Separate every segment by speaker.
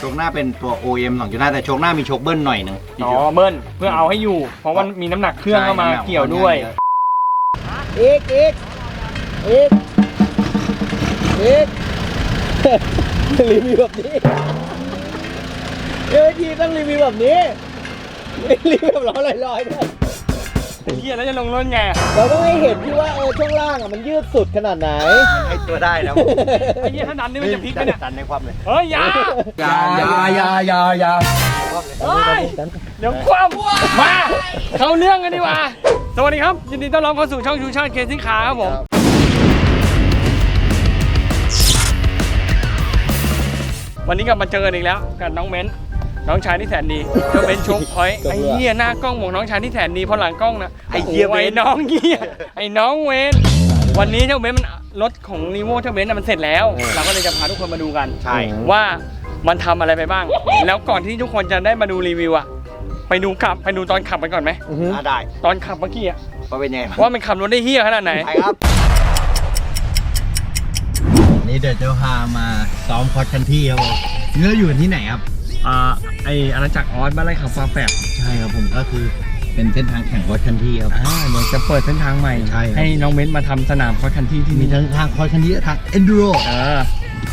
Speaker 1: กหน้าเป็นตัว OM 2.5 แต่โชคหน้ามีโชคเบิ้ลหน่อยนึง
Speaker 2: อ๋อเบิ้ลเพื่อเอาให้อยู่เพราะว่ามีน้ำหนักเครื่องเข้ามาเกี่ยวด้วยอีกรีวิวแบบนี้ทีต้องรีวิวแบบนี้รีวิวแบบลอยๆด้วยเฮียแล้วจะลงรถไงเราต้องให้เห็นที่ว่าช่วงล่างมันยืดสุดขนาดไหน
Speaker 1: ให้ตัวได้นะ
Speaker 2: ไอ้เฮียถ้าดันนี่มันจะพลิกไหมเนี่ย
Speaker 1: ดันในความเลย
Speaker 2: เฮ้ยอย่าเดี๋ยวคว่ำมาเข้าเรื่องกันดีกว่าสวัสดีครับยินดีต้อนรับเข้าสู่ช่องชูชาติเคซิ่งคาร์ครับผมวันนี้กลับมาเจอกันอีกแล้วกับน้องเม้นน้องชายที่แสนดีก็เป็นโชคพอยต์ไอ้เหี้ยหน้ากล้องบอกน้องชายที่แสนดีพอหลังกล้องนะไอ้เหี้ยไอ้น้องเหี้ยไอ้น้องเวนวันนี้เจ้าเบนมันรถของนีโวเจ้าเบนมันเสร็จแล้วเราก็เลยจะพาทุกคนมาดูกันว่ามันทำอะไรไปบ้างแล้วก่อนที่ทุกคนจะได้มาดูรีวิวอะไปดูตอนขับไปก่อนไหม
Speaker 1: ได้
Speaker 2: ตอนขับเมื่อกี้อะ
Speaker 1: ว่าเป็นยังไง
Speaker 2: ว่ามันขับรถได้เหี้ยขนาดไหน
Speaker 1: ไปครับนี่เดี๋ยวจะพามาซ้อมคอร์สคันที่ครับผมเราอยู่ที่ไหนครับ
Speaker 2: ไออาณาจักรออสบ้านไร่ขับฟาแฝด
Speaker 1: ใช่ครับผมก็คือเป็นเส้นทางแข่งคอร์สคันที่ครับ
Speaker 2: เดี๋ยวจะเปิดเส้นทางใหม่ให้น้องเม้นมาทำสนามคอร์สคันที่ที่
Speaker 1: มีทั้งทางคอร์สคันที่ทางเอนดูโร
Speaker 2: ไป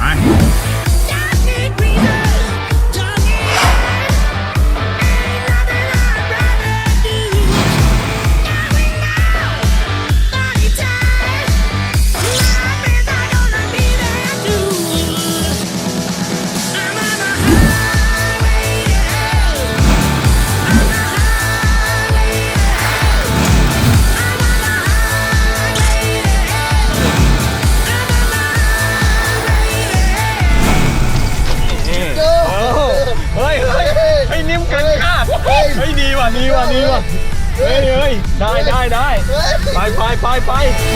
Speaker 2: นิ่มเกินคาดเฮ้ยดีว่ะเฮ้ยได้ไป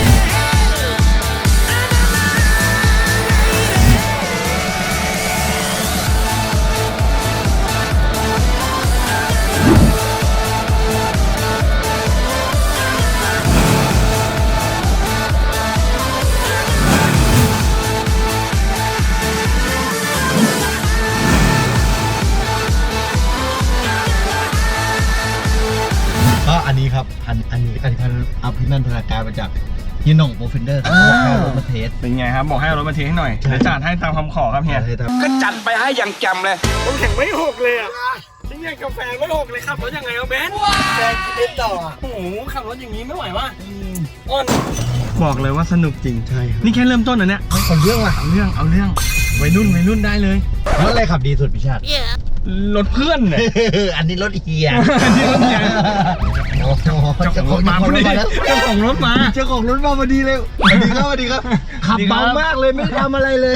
Speaker 1: อันนี้ครับอันนี้เอาพี่นันธนาการมาจากยี่หน่งโปรเฟนเดอร์เขาบอกให้รถมาเทส
Speaker 2: เป็นไงครับบอกให้รถมาเทสให้หน่อยเดี๋ยวจัดให้ตามคำขอครับเฮียก็จัดไปให้อย่างจำเลยผมแข่งไม่หกเลยอ่ะนี่ไงกาแฟไม่หกเลยขับรถยังไงเอาเบน
Speaker 1: แฟนคิดต่อ
Speaker 2: โอ้โหขับรถอย่างนี้ไม่ไหวว่ะอ้อนบอกเลยว่าสนุกจริงใช่นี่แค่เริ่มต้นนะเนี่ย
Speaker 1: เอาเรื่องว่ะ
Speaker 2: เอาเรื่องวัยรุ่นได้เลย
Speaker 1: รถอะไรขับดีสุดพี่ชาติ
Speaker 2: รถเพื่อนเนี่ย
Speaker 1: อันนี้รถเฮีย
Speaker 2: เจ้าของรถมาพอดีเจ้าของรถมา
Speaker 1: พอดีเลยสวัสดีครับขับเบามากเลยไม่ทำอะไรเลย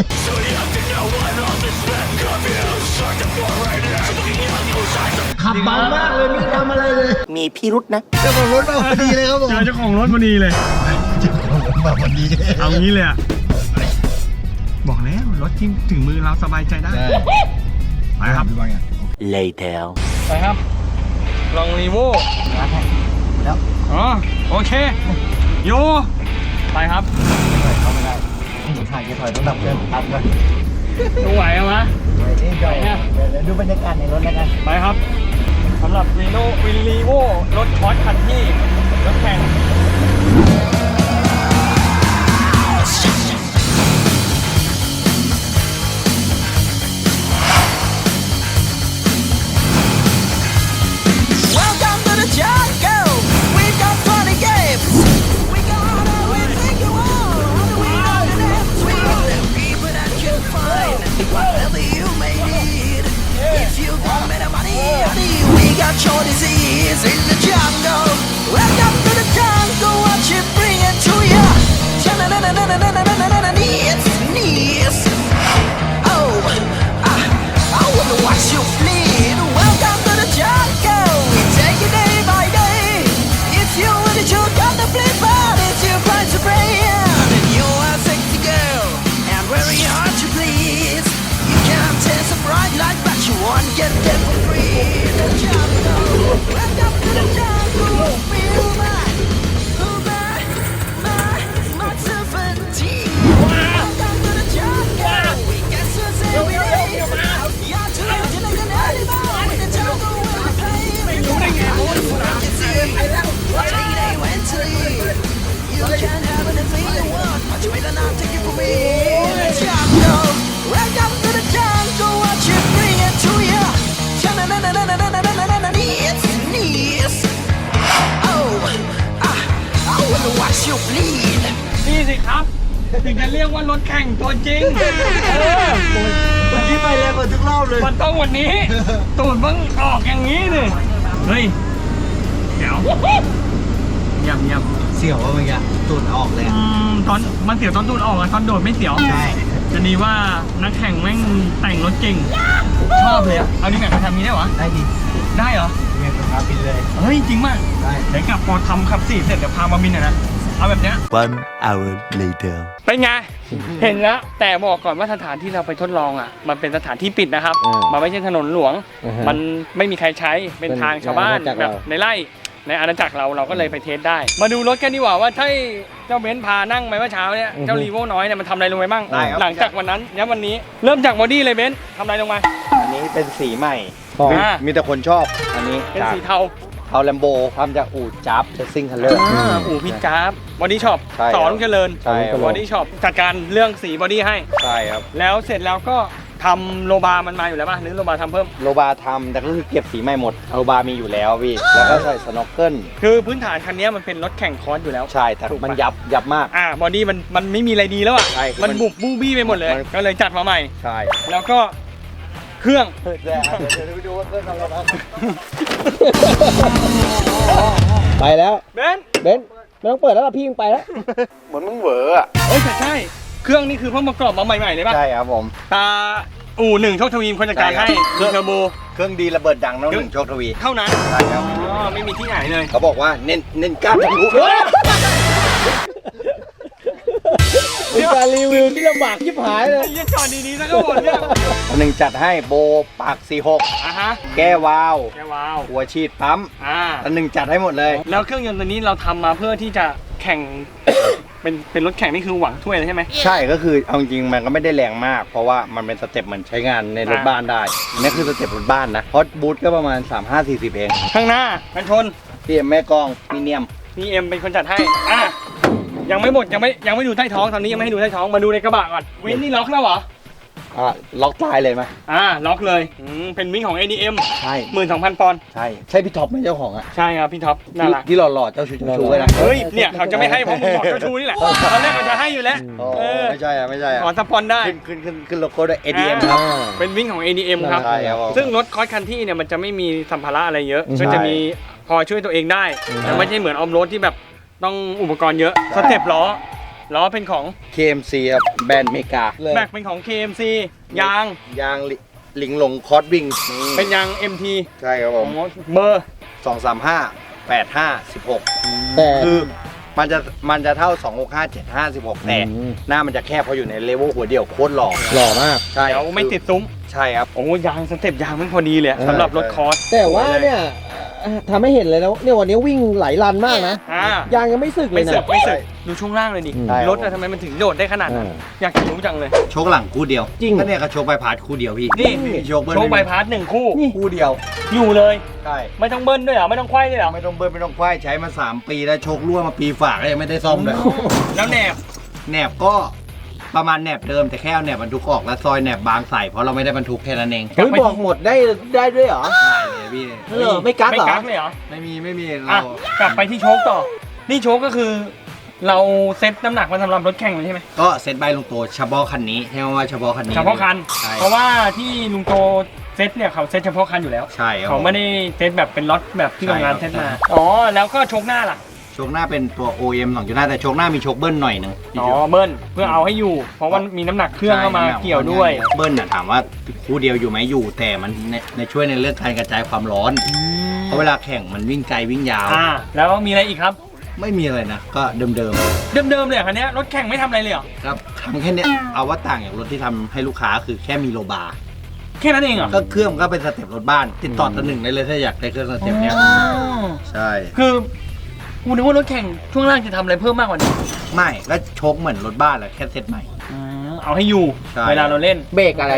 Speaker 1: ขับเบามากเลยไม่ทำอะไรเลย
Speaker 2: มีพิรุษนะ
Speaker 1: เจ้าของรถมาพอดีเลยครับผม
Speaker 2: เจ้าของรถพอดีเลย
Speaker 1: มาพอดี
Speaker 2: เอางี้เลยอะบอกแล้วรถที่ถึงมือเราสบายใจได้ไปครับ
Speaker 1: later
Speaker 2: ไปครับลองรีโว
Speaker 1: แล้ว
Speaker 2: อ๋อโอเคโยไปครับ
Speaker 1: เข้าไม่ได้ถ่ายจะถอยต้องดับเครื่องตัดก่อน
Speaker 2: ดูไหวไหม
Speaker 1: ไหวเนี่ยเดี๋ยวดูบรรยากาศในรถแล้วกัน
Speaker 2: ไปครับสำหรับรีโวรถคอร์สคันที่รถแข่ง
Speaker 3: Your disease in the jungle. Welcome to the jungle. Watch it breathe.
Speaker 2: นี่สิครับ ถึงจะเรียกว่ารถแข่งตัวจริง
Speaker 1: เมื่อกี้ไปแรงกว่าทุกรอบเลย
Speaker 2: มันต้องวันนี้ ตูดมึงออกอย่างนี้เลยเฮ้ยเดี๋ยวเงียบ
Speaker 1: เสี่ยวว่าเมื่อกี้ตูดออกเลย
Speaker 2: ตอนมันเสียวตอนตูดออกอะตอนโดดไม่เสียว
Speaker 1: ใช่
Speaker 2: จะดีว่านักแข่งแม่งแต่งรถเก่งชอบเลยอะเอานี่แข่งมาทำนี้ได้หรอ
Speaker 1: ได้ดิ
Speaker 2: ได้เหรอ
Speaker 1: เมียกับพาบินเลย
Speaker 2: เฮ้ยจริงมาก
Speaker 1: ได้
Speaker 2: เดี๋ยวกลับพอทำขับ4เสร็จเดี๋ยวพามาบินหน่อยนะเอาแบบเนี้ย
Speaker 3: 1 hour later
Speaker 2: เป็นไง เห็นแล้วแต่บอกก่อนว่าสถานที่เราไปทดลองอ่ะมันเป็นสถานที่ปิดนะครับ มันไม่ใช่ถนนหลวง มันไม่มีใครใช้เป็นทางชาวบ้านแบบในไร่ในอาณาจักรเราก็เลยไปเทสได้ มาดูรถกันดีกว่าว่าถ้าเจ้าเบนซ์พานั่งไปเมื่อเช้าเนี่ยเจ้ารีโวน้อยเนี่ยมันทำอะไรลงไปบ้างหลังจากวันนั้นเนี่ยวันนี้เริ่มจากบอดี้เลยเบนซ์ทำอะไรลงมา
Speaker 1: อันนี้เป็นสีใหม่ มีแต่คนชอบ อันนี้
Speaker 2: เป็นสีเทา
Speaker 1: เทาแลมโบทำจากอู่จับเซสซิ่งคัลเลอร์
Speaker 2: อู่พิจาร์บอดี้ช็อป
Speaker 1: ใช่ครับ
Speaker 2: สอนเจริญ
Speaker 1: ใช่ครับ
Speaker 2: บอดี้ช็อปจัดการเรื่องสีบอดี้ให้
Speaker 1: ใช่ครับ
Speaker 2: แล้วเสร็จแล้วก็ทำโลบามันมาอยู่แล้วป่ะหรือโลบาทำเพิ่ม
Speaker 1: โลบาทำแต่ก็คือเก็บสีใหม่หมด โลบามีอยู่แล้วพี่ แล้วก็ใส่สโนว์เกิล
Speaker 2: คือพื้นฐานคันนี้มันเป็นรถแข่งคอร์สอยู่แล้ว
Speaker 1: ใช่แต่
Speaker 2: ถูกปะ
Speaker 1: มันยับมาก
Speaker 2: บอดี้มันไม่มีอะไรดีแล้วอ่ะ
Speaker 1: ใช่
Speaker 2: มันบุบบูบี้ไปหมดเลย
Speaker 1: มัน
Speaker 2: ก็เลยจัดมาใหม่
Speaker 1: ใช่
Speaker 2: แล้วก็เครื่อง
Speaker 1: เดี๋ยวไปดูว่าเครื่องทำอะไรบ้าง
Speaker 3: ไปแล้ว
Speaker 2: เบนซ์
Speaker 3: เบนซ์ไม่ต้องเปิดแล้วล่ะพี่มึงไปแล้ว
Speaker 1: เหมือนมึงเหวออะ
Speaker 2: เอ้ยแต่ใช่ เครื่องนี่คือเพิ่งประกอบมาใหม่ๆเลยป่ะ
Speaker 1: ใช่ครับผม
Speaker 2: ตาอู่หนึ่งโชคทวีมคนจัดการ
Speaker 1: ใช่
Speaker 2: ให้
Speaker 1: ครับ
Speaker 2: เครื่องเทอร์โบ
Speaker 1: เครื่องดีระเบิดดังน้องหนึ่งโชคทวี
Speaker 2: เท่านั้น
Speaker 1: ใช่ครับ
Speaker 2: อ๋อไม่มีที่ไหนเลย
Speaker 1: เขาบอกว่าเน้นกล้ามทะลุ
Speaker 3: เป็นการรีวิวที่ลำบากยิบหายเลย
Speaker 2: ยังจอดดีๆแล้วก็หมดเนี่ย
Speaker 1: หนึ่งจัดให้โบปาก 46
Speaker 2: อ่ะฮะ
Speaker 1: แก้วาล์ว
Speaker 2: แกว้าว
Speaker 1: หัวฉีดปั๊ม
Speaker 2: อ่า
Speaker 1: อันหนึ่งจัดให้หมดเลย
Speaker 2: แล้วเครื่องยนต์ตัวนี้เราทำมาเพื่อที่จะแข่ง เป็นรถแข่งนี่คือหวังถ้วยเลยใช่ไหม
Speaker 1: ใช่ก็คือเอาจริงๆมันก็ไม่ได้แรงมาก เพราะว่ามันเป็นสเต็ปเหมือนใช้งานในรถบ้านได้อันนี่คือสเต็ปรถบ้านนะเพราะบูทก็ประมาณ 35-40 เอง
Speaker 2: ข้างหน้ากันชน
Speaker 1: พี่แม่กองมีเนียม
Speaker 2: นี่เอ็มเป็นคนจัดให้อ่ะยังไม่หมดยังไม่ดูใต้ท้องตอนนี้ยังไม่ให้ดูใต้ท้องมาดูในกระบะก่อนวินนี่ล็อกแล้วเหรอ
Speaker 1: ล็อกตายเลยไหม
Speaker 2: ล็อกเลยเป็นวิ่งของ ADM
Speaker 1: ใช่
Speaker 2: 12,000 ปอนด์
Speaker 1: ใช่ใช่พี่ท็อปไหมเจ้าของอ่ะ
Speaker 2: ใช่ครับพี่ท็อปน่ารัก
Speaker 1: ที่หล่อๆเจ้าชูชูเลยนะ
Speaker 2: เฮ้ยเนี่ยเขาจะไม่ให้เพราะมึงบอกเจ้าชูนี่แหละตอนแรกเขาจะให้อยู่แล้ว
Speaker 1: อ๋อไม่ใช่ไม่ใช่
Speaker 2: ขอสปอนได้
Speaker 1: ขึ้นโลโก้ด้วย ADM ครับ
Speaker 2: เป็นวิ่งของ ADM ครับ
Speaker 1: ใช่ครับผม
Speaker 2: ซึ่งรถคอร์สคันที่เนี่ยมันจะไม่มีสัมภาระอะไรเยอะก็จะมีพอช่วยตัวเองได้แต่ไม่ใช่เหมือนออมโรดที่แบบต้องอุปกรณ์เยอะสเต็ปล้อเป็นของ
Speaker 1: KMC ครับแบรนด์เมกา
Speaker 2: แม็กเป็นของ KMC ยาง
Speaker 1: หลิงหลงคอร์ดวิ่ง
Speaker 2: เป็นยาง MT
Speaker 1: ใช่ครับผม
Speaker 2: เบอร์
Speaker 1: 235 85 16
Speaker 3: แต่
Speaker 1: คือมันจะเท่า 265 75 16 แต่หน้ามันจะแคบเพราะอยู่ในเลเวลหัวเดียวโคตรหล่อ
Speaker 3: หล่อมาก
Speaker 1: ใช่
Speaker 2: เดี๋ยวไม่ติดซุ้ม
Speaker 1: ใช่ครับ
Speaker 2: โอ้ยางสเต็ปยางมันพอดีเลยสำหรับรถคอร์ส
Speaker 3: แต่ว่าเนี่ยทำให้เห็นเลยนะเนี่ยวันนี้วิ่งหลายรันมากนะ
Speaker 2: อ่าย
Speaker 3: างยังไม่สึกเล
Speaker 2: ไม่
Speaker 3: ย
Speaker 2: สึ
Speaker 3: นะ
Speaker 2: กไม่สึกดูช่วงล่างเลยดิ
Speaker 1: ใช่ครับ
Speaker 2: รถอะทำไมมันถึงโดดได้ขนาดนั้นอยากจะรู้จังเลย
Speaker 1: โชคหลังคู่เดียว
Speaker 3: จริง
Speaker 1: ก็เนี่ยก็โชคใบพาดคู่เดียวพี่
Speaker 2: นี่
Speaker 1: ไม่มีโชคเบิ้ล
Speaker 2: โชว์ใบพาส1 คู่
Speaker 1: คู่เดียว
Speaker 2: อยู่เลย
Speaker 1: ใช่
Speaker 2: ไม่ต้องเบิ้ลด้วยเหรอไม่ต้องไขว้ด้วยเหรอ
Speaker 1: ไม่ต้องเบิ้ลไม่ต้องควายใช้มา 3 ปีแล้วโชครั่วมาปีฝากก็ยังไม่ได้ซ่อมเลย
Speaker 2: แล้วแหนบ
Speaker 1: แหนบก็ประมาณแหนบเดิมแต่แค่เอาแหนบบรรทุกออกแล้วซอยแหนบบางใส่เพราะเราไม่ได้บรรทุกแค่นั้นเอง
Speaker 3: เฮ้ยบอกหมดได้ด้วยเหรอ
Speaker 1: ได้เลยพี่
Speaker 3: เหรอไม่กัก
Speaker 2: ไม่
Speaker 3: เหรอ
Speaker 2: กักเลยเหรอ
Speaker 1: ไม่มี
Speaker 2: อ่ะ
Speaker 1: เรา
Speaker 2: กลับไปที่โชคต่อ นี่โชคก็คือ เราเซ็ตน้ำหนักมาสำหรับรถแข่งเลยใช่ไหม
Speaker 1: ก็เซ็ตใบลงตัวเฉพาะคันนี้ใช่ไหมว่าเฉพาะคันนี้
Speaker 2: เฉพาะคัน
Speaker 1: ใช่
Speaker 2: เพราะว่าที่ลุงโตเซ็ตเนี่ยเขาเซ็ตเฉพาะคันอยู่แล้ว
Speaker 1: ใช่ครับ
Speaker 2: เขาไม่ได้เซ็ตแบบเป็นล็อตแบบที่โรงงาน
Speaker 1: ใช่
Speaker 2: เซ็
Speaker 1: ครับ
Speaker 2: ตมา อ๋อ แล้วก็โชคหน้าล่ะ
Speaker 1: โชคหน้าเป็นตัว OM 2.5แต่โชคหน้ามีโชคเบิ้ลหน่อยหนึง
Speaker 2: อ๋อ เบิ้ลเพื่อเอาให้อยู่ เพราะว่ามีน้ำหนักเครื่องเข้ามาเกี่ยวด้วย
Speaker 1: เบิ้ลน่ะถามว่าคู่เดียวอยู่ไหมอยู่ แต่มันในช่วยในเรื่องการกระจายความร้อน เพราะเวลาแข่งมันวิ่งไกลวิ่งยาว
Speaker 2: แล้วมีอะไรอีกครับ
Speaker 1: ไม่มีอะไรนะ ก็เดิม
Speaker 2: เดิมเลยเหรอคันเนี้ยรถแข่งไม่ทำอะไรเลยเหรอ
Speaker 1: ๆครับทำแค่เนี้ยเอาว่าต่างจากรถที่ทำให้ลูกค้าคือแค่มีโลบาร์
Speaker 2: แค่นั้นเองเหรอ
Speaker 1: ก็เครื่องมันก็เป็นสเต็ปรถบ้าน ติดต่อตัวหนึ่งได้เลยถ้าอยากได้เครื่องสเต็ปเนี้ย
Speaker 2: อ๋อ
Speaker 1: ใช่
Speaker 2: คือกูนึกว่ารถแข่งช่วงล่างจะทำอะไรเพิ่มมากกว่านี้
Speaker 1: ไม่ก็โชคเหมือนรถบ้านแหละแค่เซ็ตใหม่
Speaker 2: เอาให้อยู่
Speaker 1: ใช่
Speaker 2: เวลาเราเล่น
Speaker 3: เบรกอะไร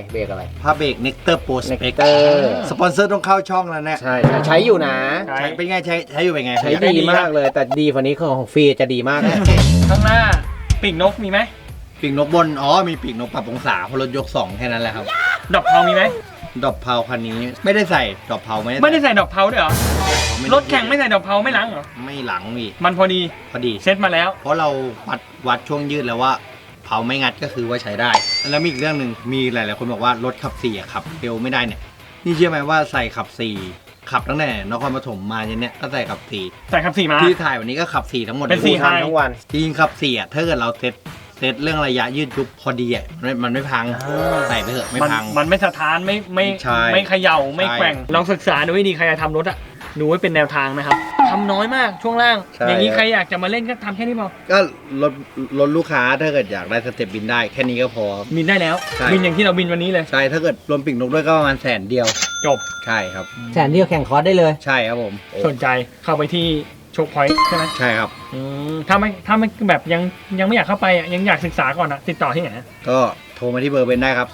Speaker 1: ผ้าเบรก Nectar Pro Spec
Speaker 3: Nectar
Speaker 1: สปอนเซอร์ต้องเข้าช่องแล้วเนี่ย
Speaker 3: ใช่ใช้อยู่นะ
Speaker 2: ใช่
Speaker 1: ใช้เป็นไงใช้อยู่เป็นไง
Speaker 3: ใช้ดีมากเลย แต่ดีกว่านี้ของฟรีจะดีมากเลย
Speaker 2: ข้างหน้าปีกนกมีไหม
Speaker 1: ปีกนกบน มีปีกนกปรับองศาเพราะรถยก 2 แค่นั้นแหละครับ
Speaker 2: ดอกเทามีไหม
Speaker 1: ดอกเพาคันนี้ไม่ได้ใส่ดอกเพาไม่
Speaker 2: ไม่ได้ใส่ดอกเพาด้วยเหรอ
Speaker 1: ไม่
Speaker 2: รถแข่งไม่ใส่ดอกเพาไม่ล้างเหรอ
Speaker 1: ไม่หลังพี่
Speaker 2: มันพอดี
Speaker 1: พอดี
Speaker 2: เซ็ตมาแล้ว
Speaker 1: เพราะเราวัดช่วงยืดแล้วว่าเผาไม่งัดก็คือว่าใช้ได้ แล้วมีอีกเรื่องหนึ่งมีหลายๆคนบอกว่ารถขับ4อะขับเร็วไม่ได้เนี่ยนี่เชื่อไหมว่าใส่ขับ4ขับตั้งแต่นครปฐมมาจนเนี่ยก็ใส่ขับ
Speaker 2: ใส่ขับ4มา
Speaker 1: 4ที่ถ่ายวันนี้ก็ขับ4ทั้งหมด
Speaker 2: เป็น4
Speaker 1: ลย
Speaker 3: ทั้งวัน
Speaker 1: จริงขับ4อะถ้าเกิดเราเซตเรื่องระยะยืดยุบพอดีอะมันไม่พังใส่ไปเถอะไม่พัง
Speaker 2: มันไม่สะท้านไม่
Speaker 1: ใช่
Speaker 2: ไม่เขย่าไม่
Speaker 1: ใช่
Speaker 2: แกว่งลองศึกษาดูให้ดีใครจะทำรถอะดูไว้เป็นแนวทางนะครับทำน้อยมากช่วงล่าง
Speaker 1: ใช่
Speaker 2: อย่างนี้ใครอยากจะมาเล่นก็ทำแค่นี้พอ
Speaker 1: ก็รถลูกค้าถ้าเกิดอยากได้สเต็ปบินได้แค่นี้ก็พอ
Speaker 2: บินได้แล้ว
Speaker 1: ใช่
Speaker 2: บินอย่างที่เราบินวันนี้เลย
Speaker 1: ใช่ถ้าเกิดรวมปีกนกด้วยก็ประมาณ100,000เดียว
Speaker 2: จบ
Speaker 1: ใช่ครับ
Speaker 3: แสนเดียวแข่งคอร์สได้เลย
Speaker 1: ใช่ครับผม
Speaker 2: สนใจเข้าไปที่โชคพอยต์ใช่ไหม
Speaker 1: ใช่ครับ
Speaker 2: ถ้าไม่แบบยังไม่อยากเข้าไปอะยังอยากศึกษาก่อนอะติดต่อที่ไหน
Speaker 1: ก็โทรมาที่เบอร์เบนได้ครับ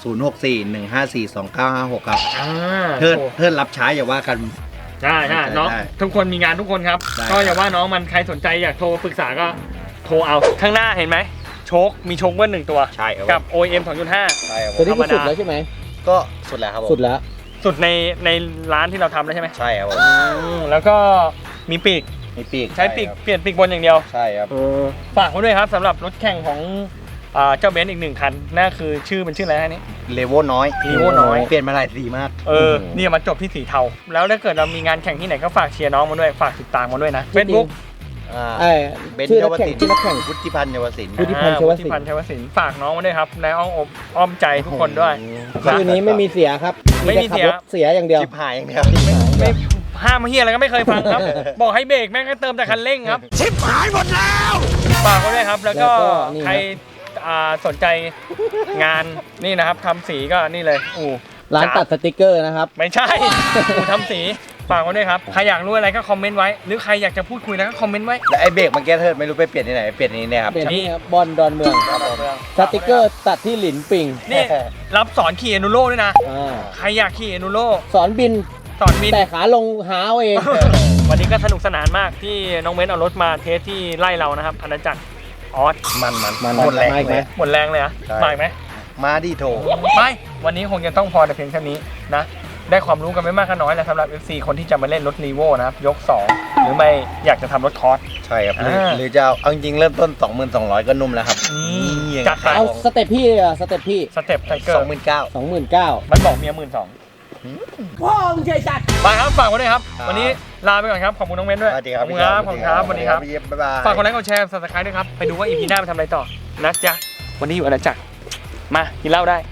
Speaker 1: 0641542956 ครับ
Speaker 2: อ่า
Speaker 1: เทิดรับช้าอย่าว่ากัน
Speaker 2: ใช่น้อง
Speaker 1: ได้
Speaker 2: ทุกคนมีงานทุกคนครับ
Speaker 1: ได้
Speaker 2: ก็อย่าว่าน้องมันใครสนใจอยากโทรปรึกษาก็โทรเอาข้างหน้าเห็นไหมโชคมีโชคเบิ้ล1ตัว
Speaker 1: ใช่ครับ
Speaker 2: กับ OEM 2.5
Speaker 1: ใช่ครับ
Speaker 3: ตัวนี้
Speaker 2: ธรรม
Speaker 3: คือ
Speaker 2: ดา
Speaker 3: สุดแล้วใช่ไหม
Speaker 1: ก็สุดแล้วครับผม
Speaker 3: สุดแล้ว
Speaker 2: สุดในร้านที่เราทำแล้วใช่ไหม
Speaker 1: ใช่ครับผม
Speaker 2: แล้วก็มีปีก
Speaker 1: มีปีก
Speaker 2: ใช้ปีกเปลี่ยนปีกบนอย่างเดียว
Speaker 1: ใช่ครับ
Speaker 2: ฝากไว้ด้วยครับสำหรับรถแข่งของเจ้าเบนซ์อีก1คันนั่นคือชื่อมันชื่ออะไรฮะนี่
Speaker 1: เลโวน้อย
Speaker 2: Levo น้อย
Speaker 1: เปลี่ยนมาหลายสีมาก
Speaker 2: นี่มาจบที่สีเทาแล้วถ้าเกิดเรามีงานแข่งที่ไหนก็ฝากเชียร์น้องมาด้วยฝากติดตามมาด้วยนะ Facebook
Speaker 3: ไอ้
Speaker 1: เบน
Speaker 3: ชื่อ
Speaker 1: เยา
Speaker 3: นัก
Speaker 1: ว
Speaker 3: แข่ง
Speaker 1: ศิลป์
Speaker 3: ชื่อนักแข่ง
Speaker 1: วุฒิพันธ์เยาวศิลป์
Speaker 3: วุฒิพันธ์ ชวศิลป์
Speaker 2: วุฒิพันธ์ชวศิลป์ฝากน้องมาด้วยครับในอ้อมใจทุกคนด้วย
Speaker 3: ชื่อนี้ไม่มีเสียครับ
Speaker 2: ไม่มี
Speaker 3: แต่ขับ
Speaker 2: เสีย
Speaker 3: รถเสียอย่างเดียว
Speaker 1: ชิบหายอย่างเดียว
Speaker 2: ไม่ห้ามเฮียอะไรก็ไม่เคยฟังครับ บอกให้เบรกแม่งก็เติมแต่คันเร่งครับชิบหายหมดแล้วฝากไว้ด้วยครับแล้วก็
Speaker 3: แล้วก็นี่
Speaker 2: ใครสนใจงานนี่นะครับทำสีก็นี่เลย
Speaker 3: ร้านตัดสติกเกอร์นะครับ
Speaker 2: ไม่ใช่ ทำสีฝากไว้ด้วยครับใครอยากรู้อะไรก็คอมเมนต์ไว้หรือใครอยากจะพูดคุยนะก็คอมเมนต์ไว้
Speaker 1: แล้วไอ้เบรกเมื่อกี้เทิดไม่รู้ไปเปลี่ยนที่ไหนเปลี่ยนที่นี่ครับ
Speaker 3: เป็นนี่ครับบอลดอนเมืองสติกเกอร์ตัดที่หลินปิง
Speaker 2: นี่รับสอนขี่เอนูโร่ด้วยนะ
Speaker 3: อ่า
Speaker 2: ใครอยากขี่เอนูโร่
Speaker 3: สอนบิน
Speaker 2: สอนบิน
Speaker 3: แต่ขาลงหาเอาเอง
Speaker 2: วันนี้ก็สนุกสนานมากที่น้องเม้นเอารถมาเทสที่ไล่เรานะครับอาณาจักรออส
Speaker 1: มัน
Speaker 3: หมด
Speaker 1: แรง
Speaker 3: มาอีกไหม
Speaker 1: เลย
Speaker 2: หมดแรงเลยเหรอะ
Speaker 1: ใช่
Speaker 2: มาอีกไหม
Speaker 1: มาดิโถ
Speaker 2: ไม่วันนี้คงจะต้องพอแต่เพียงเท่านี้นะได้ความรู้กันไม่มากก็น้อยแหละสำหรับ FC คนที่จะมาเล่นรถรีโวนะครับยก 2 หรือไม่อยากจะทำรถคอร์ส
Speaker 1: ใช่ครับ
Speaker 2: อ่า
Speaker 1: หรือจะเอาจริงๆเริ่มต้น 22,200 ก็นุ่มแล้วครับ
Speaker 2: นี่จัดไป
Speaker 3: เอาสเต็ปพี่อะสเต็ปพี่
Speaker 2: สเต็ปไทเกอร์
Speaker 1: 29,000
Speaker 3: 29,000
Speaker 2: มันบอกเมีย12,000
Speaker 3: พ่อมึงใจจัด
Speaker 2: ไปครับฝากไว้ด้วยครับ
Speaker 1: ครับ
Speaker 2: วันนี้ลาไปก่อนครับขอบคุณน้องเม้นด้วย
Speaker 1: สวัสดีครับ
Speaker 2: ขอบคุณครับขอบคุณครับสวัสดีครับ
Speaker 1: พี่เย็บบ๊ายบาย
Speaker 2: ฝากกดไลค์กดแชร์ subscribe ด้วยครับไปดูว่า EP หน้าไปทำอะไรต่อนะจ๊ะวันนี้อยู่อาณาจักรมากินเหล้าได้